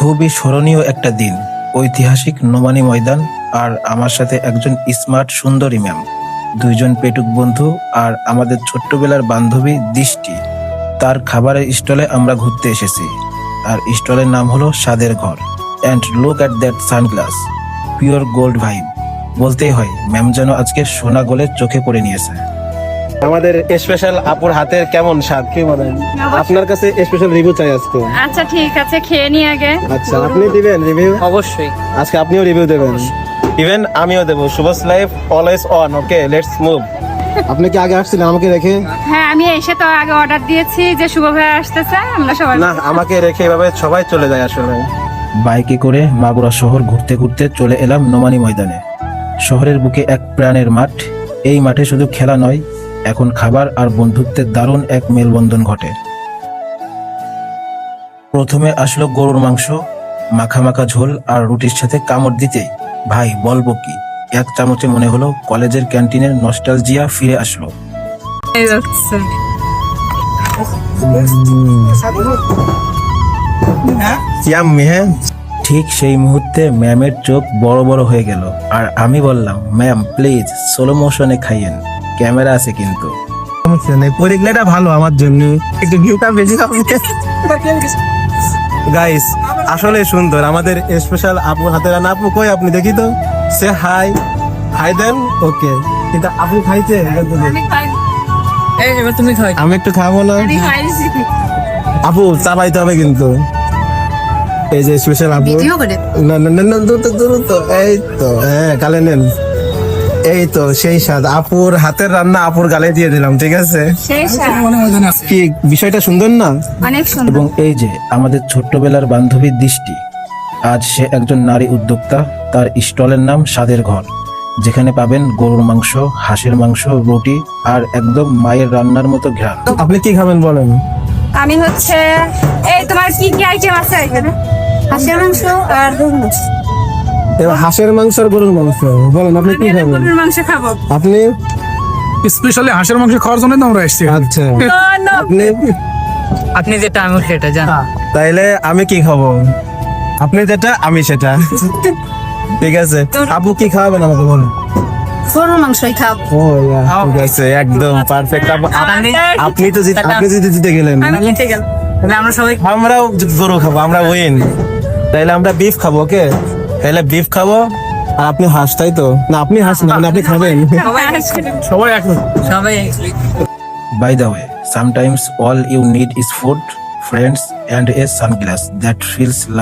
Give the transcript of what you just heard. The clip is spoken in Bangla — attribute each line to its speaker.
Speaker 1: খুবই স্মরণীয় একটা দিন। ঐতিহাসিক নোমানী ময়দান, আর আমার সাথে একজন স্মার্ট সুন্দরী ম্যাম, দুইজন পেটুক বন্ধু, আর আমাদের ছোট্টবেলার বান্ধবী দৃষ্টি। তার খাবারের স্টলে আমরা ঘুরতে এসেছি, আর স্টলের নাম হলো স্বাদের ঘর। And look at that sunglass, pure gold vibe. বলতেই হয়, ম্যাম যেন আজকে সোনা গোলে চোখে পড়ে নিয়েছে।
Speaker 2: আমাদের স্পেশাল আপুর হাতের কেমন স্বাদ কি বলেন? আপনার কাছে স্পেশাল রিভিউ চাই আজকে।
Speaker 3: আচ্ছা ঠিক আছে, খেয়ে নি আগে।
Speaker 2: আচ্ছা, আপনি দিবেন রিভিউ?
Speaker 4: অবশ্যই।
Speaker 2: আজকে আপনিও রিভিউ দেবেন, ইভেন আমিও দেবো। Shubh's life always on. Okay, let's move. আপনি কি আগে আসছিলেন আমাকে রেখে?
Speaker 3: হ্যাঁ, আমি এসে তো আগে অর্ডার দিয়েছি যে শুভ ভাই আসতেছে, আমরা সবাই।
Speaker 2: না, আমাকে রেখে এভাবে সবাই চলে যায় আসলে।
Speaker 1: বাইকে করে মাগুরা শহর ঘুরতে ঘুরতে চলে এলাম নোমানী ময়দানে। শহরের বুকে এক প্রাণের মাঠ। এই মাঠে শুধু খেলা নয়, এখন খাবার আর বন্ধুত্বের দারুণ এক মেলবন্ধন ঘটে। প্রথমে আসলো গরুর মাংস, মাখা মাখা ঝোল আর রুটির সাথে কামড় দিতেই ভাই বলবো কি, এক চামচে মনে হলো কলেজের ক্যান্টিনের নস্টালজিয়া ফিরে আসলো।
Speaker 2: ইয়াম্মি। হ্যাঁ,
Speaker 1: ঠিক সেই মুহূর্তে ম্যামের চোখ বড় বড় হয়ে গেল, আর আমি বললাম, ম্যাম প্লিজ স্লো মোশনে খাইয়েন, ক্যামেরা আছে কিন্তু।
Speaker 2: সমস্যা নেই, পরিগলাটা ভালো আমার জন্য, একটু ভিউটা বেশি হবে। গাইস, আসলে সুন্দর আমাদের স্পেশাল আপুর হাতে রান্না। আপু কই আপনি? দেখি তো, সে হাই। হাই দেন। ওকে, কিন্তু আপু খাইছে?
Speaker 4: এবার তুমি খাও।
Speaker 2: আমি একটু খাবো না? আপু চাবাইতে হবে কিন্তু। এই যে স্পেশাল আপু। না না না, দূর তো। এই তো, হ্যাঁ, গালে নেন। এই তো সেই স্বাদ, আপুর হাতের রান্না আপুর গালে দিয়ে দিলাম। ঠিক আছে, কি বিষয়টা সুন্দর না?
Speaker 3: অনেক সুন্দর।
Speaker 1: এবং এই যে আমাদের ছোট্টবেলার বান্ধবী দৃষ্টি, আজ সে একজন নারী উদ্যোক্তা। তার স্টলের নাম স্বাদের ঘর, যেখানে পাবেন গরুর মাংস, হাঁসের মাংস, রুটি আর একদম মায়ের রান্নার মতো ঘ্রাণ।
Speaker 2: আপনি কি খাবেন বলেন?
Speaker 3: আমি হচ্ছে, এই তোমার কি কি আইটেম আছে এখানে? হাঁসের মাংস আর গরুর মাংস।
Speaker 2: এবার হাঁসের মাংস আর গরুর মাংস বলেন, আপনি কি খাবেন?
Speaker 3: গরুর মাংস খাবো।
Speaker 2: আপনি?
Speaker 5: স্পেশালি হাঁসের মাংস খাওয়ার জন্য তো আমরা এসেছি।
Speaker 2: আচ্ছা, আপনি?
Speaker 4: আপনি যেটা আমি সেটা জান।
Speaker 2: তাইলে আমি কি খাবো? আপনি যেটা আমি সেটা। ঠিক আছে, আপু কি খাওয়াবেন আমাকে বলেন?
Speaker 3: গরুর মাংসই খাবো।
Speaker 2: ও ঠিক আছে, একদম পারফেক্ট। আপনি তো আপনি জিতে গেলেন।
Speaker 4: আমি ঠিক আছে, তাহলে আমরা সবাই
Speaker 2: আমরাও গরু খাবো, আমরা উইন। তাইলে আমরা বিফ খাবো। ওকে, তাইলে বিফ খাবো। আর আপনি হাঁস, তাই তো? না, আপনি হাঁস না, মানে আপনি খাবেন।
Speaker 5: সবাই এখন
Speaker 4: সবাই
Speaker 1: By the way, sometimes all you need is food, friends, and a sunglass that feels like